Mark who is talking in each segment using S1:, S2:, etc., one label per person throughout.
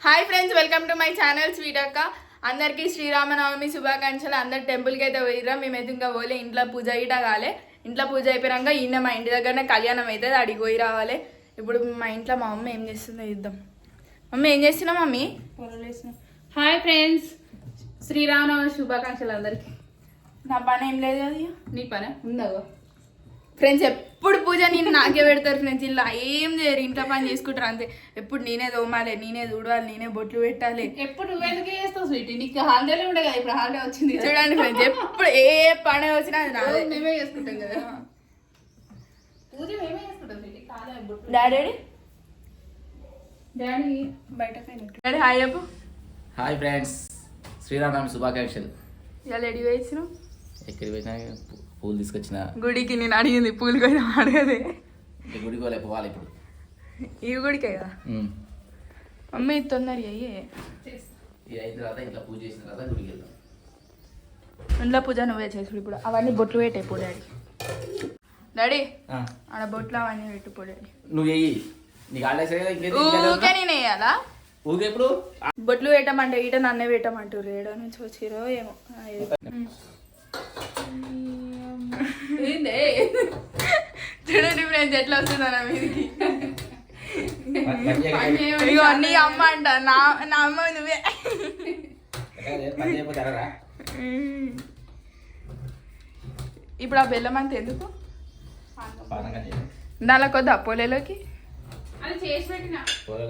S1: Hi friends, welcome to my channel sweet అక్క. అందరికీ శ్రీరామనవమి శుభాకాంక్షలు. అందరు టెంపుల్కి అయితే పోయిరా, మేమైతే ఇంకా పోలే. ఇంట్లో పూజ ఇట కాలే. ఇంట్లో పూజ అయిపోయాక ఈయన మా ఇంటి దగ్గరనే కళ్యాణం అవుతుంది, అడిగి పోయి రావాలి. ఇప్పుడు మా ఇంట్లో మా మమ్మీ ఏం చేస్తుందో ఇద్దాం. మమ్మీ ఏం చేస్తున్నా? మమ్మీ
S2: హాయ్ ఫ్రెండ్స్, శ్రీరామనవమి శుభాకాంక్షలు అందరికి.
S1: నా పని ఏం లేదు అది.
S2: నీ పని ఉందా
S1: ఫ్రెండ్స్? ఎప్పుడు పూజ నేను నాకే పెడతారు ఫ్రెండ్స్. ఇలా ఏం చేయరు, ఇంట్లో పని చేసుకుంటారు అంతే. ఎప్పుడు నేనే తోమాలి, నేనే చూడాలి, నేనే బొట్లు పెట్టాలి.
S2: ఎప్పుడు నువ్వెందుకే చేస్తావు స్వీట్? నీకు హాలిడేలో ఉండే కదా, ఇప్పుడు హాలిడే వచ్చింది.
S1: చూడండి ఫ్రెండ్స్, ఎప్పుడు ఏ పని వచ్చినా అది నాదే.
S2: మేమే చేసుకుంటాం కదా పూజ, మేమే చేసుకుంటాం స్వీట్.
S1: డాడీ
S2: డాడీ
S1: బయటకు డాడీ హాయ్ చెప్పు.
S3: హాయ్ ఫ్రెండ్స్, శ్రీరామనవమి శుభాకాంక్షలు.
S1: ఇలా రెడీ వేసినావు?
S3: ఎక్కడికి పోయినా పూలు తీసుకొచ్చిన.
S1: గుడికి నేను అడిగింది పూలు కూడా అడగదే.
S3: గుడికి పోలే, పోవాలి ఇప్పుడు.
S1: ఈ గుడికే కదా మమ్మీ, తొందర అయ్యే.
S3: ఇది అయిన తర్వాత ఇంట్లో పూజ చేసిన తర్వాత గుడికి వెళ్దాం.
S1: ఇంట్లో పూజ నువ్వే చేసుడు. ఇప్పుడు అవన్నీ బొట్లు పెట్టే పో డాడీ. డాడీ ఆడ బొట్లు అవన్నీ పెట్టు పో డాడీ.
S3: నువ్వు వెయ్యి, నీకు
S1: ఊకే నేను వేయాలా?
S3: ఊకే ఎప్పుడు
S1: బొట్లు పెట్టమంటే ఈట నన్నే పెట్టమంటారు. ఏడో నుంచి వచ్చిరో ఏమో. చూడండి ఫ్రెండ్స్ ఎట్లా వస్తుందా నా మీదికి. ఇగో నీ అమ్మ అంట, నా అమ్మ నువ్వే. ఇప్పుడు ఆ బెల్లం అంత ఎందుకు? దానిలో కొద్ది అపోలేలోకి
S2: అది చేసి పెట్టినా.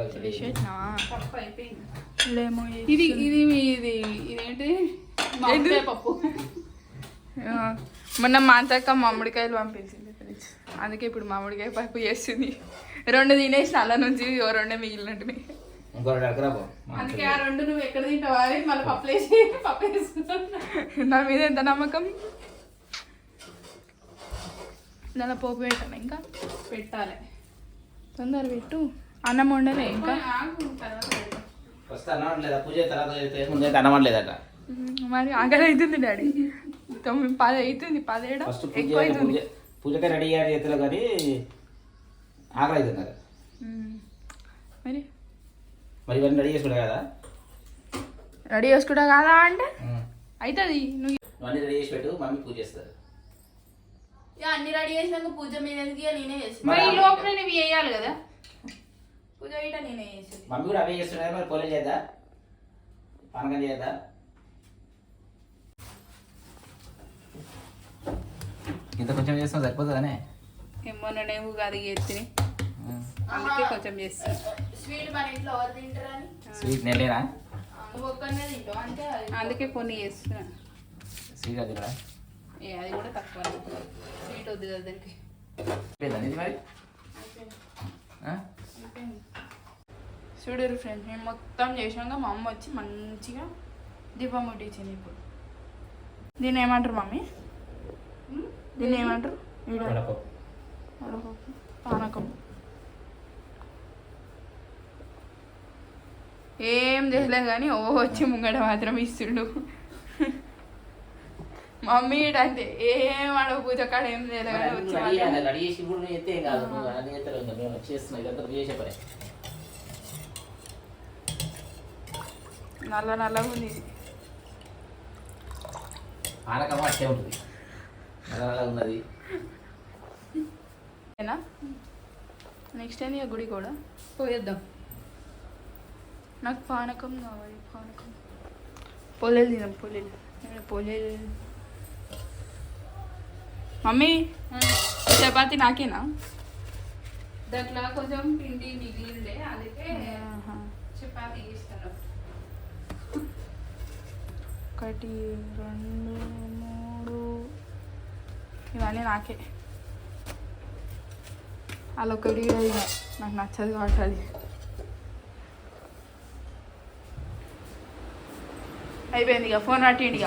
S1: ఇది
S2: ఇది ఇది ఇదేంటి పప్పు.
S1: మొన్న మాంతక్క మామిడికాయలు పంపించింది, అందుకే ఇప్పుడు మామిడికాయ పప్పు చేస్తుంది. 2 తినేసిన అలా నుంచి 2 మిగిలినట్టు.
S2: అందుకే ఆ 2 నువ్వు ఎక్కడ తింటావా అని మళ్ళీ పప్పు వేసుకున్నావు.
S1: నా మీద ఎంత నమ్మకం. దాని పోపు పెట్టాను, ఇంకా
S2: పెట్టాలి.
S1: తొందర పెట్టు. అన్నం వండలే ఇంకా.
S3: అనమలేదట.
S1: మరి ఆకలి అవుతుంది డాడీ. 9-10 అవుతుంది. 10 ఎక్కువ అవుతుంది.
S3: పూజకే రెడీ అయ్యారు చేతిలో, కానీ ఆకలి అవుతుంది కదా.
S1: మరి
S3: ఇవన్నీ రెడీ చేసుకుంటా కదా.
S1: రెడీ చేసుకుంటా కదా అంటే అవుతుంది. నువ్వు
S3: అన్నీ రెడీ చేసి పెట్టు, మమ్మీ పూజ చేస్తారు.
S1: అన్ని రెడీ చేసినాక పూజ మీద నేనే చేస్తాను.
S2: మరి ఈ లోపల నువ్వు వేయాలి కదా
S1: పూజ ఇట నేనే చేస్తాను.
S3: మమ్మీ కూడా అవే చేస్తున్నారు. మరి పోలే చేద్దా, పానకం చేద్దా? ఇంత కొంచెం చేస్తాం సరిపోతుందనే.
S2: మొన్ననేమో కాదు ఎత్తిని, అందుకే కొంచెం చేస్తాను.
S1: స్వీట్ మన ఇంట్లో ఎవరు తింటారని.
S3: స్వీట్ నెలేనా?
S1: నువ్వు ఒక్కనే తింటావు అంటే
S2: అందుకే కొన్ని చేస్తున్నా.
S3: స్వీట్ అది కూడా
S2: అది కూడా తక్కువ. స్వీట్ వద్దు కదా దానికి.
S3: ఇది మరి
S1: చూడరు ఫ్రెండ్స్, మేము మొత్తం చేసాక మా అమ్మ వచ్చి మంచిగా దీపం ముట్టించింది. ఇప్పుడు దీన్ని ఏమంటారు మమ్మీ? దీన్ని ఏమంటారు? పానకం. ఏం చేయలేదు కానీ వచ్చి ముంగట మాత్రం ఇస్తుండు. మమ్మీ అంటే ఏం అడగ పూజ కాడ ఏం చేయలేదు కానీ వచ్చి నల్ల నల్లగా ఉంది.
S3: పానకం అట్టే ఉంటుంది, నల్ల ఉన్నది.
S1: నెక్స్ట్ ఏంది గుడి కూడా
S2: పోయేద్దాం.
S1: నాకు పానకం కావాలి. పానకం పొలేలు తినాం. పొలేలు మమ్మీ చపాతి నాకేనా?
S2: దాంట్లో కొంచెం పిండి మిగిలిందే, అందుకే చపాతీ ఇస్తాను.
S1: 1 2 3 ఇవన్నీ నాకే. అలా ఒకటి నాకు నచ్చదు కాబట్టి అది అయిపోయింది. ఇక ఫోన్ పట్టిండి.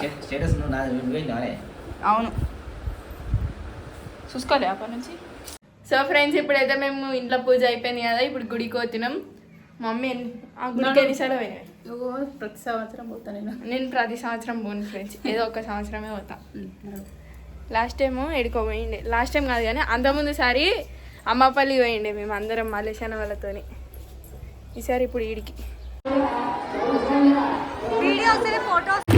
S1: అవును, చూసుకోలే అప్పటి నుంచి. సో ఫ్రెండ్స్, ఇప్పుడైతే మేము ఇంట్లో పూజ అయిపోయింది కదా, ఇప్పుడు గుడికి పోతున్నాం. మమ్మీ ఆ గుడికి ఎన్నిసార్లు పోయినాయి?
S2: ప్రతి సంవత్సరం పోతాను
S1: నేను ప్రతి సంవత్సరం పోను ఫ్రెండ్స్, ఏదో ఒక సంవత్సరమే పోతా. లాస్ట్ టైం ఎడుకో పోయిండే. లాస్ట్ టైం కాదు కానీ అంతకుముందు సారి అమ్మపల్లి పోయిండే మేము అందరం మలేషియా వాళ్ళతోని. ఈసారి ఇప్పుడు ఈడికి.
S4: ఫొటోస్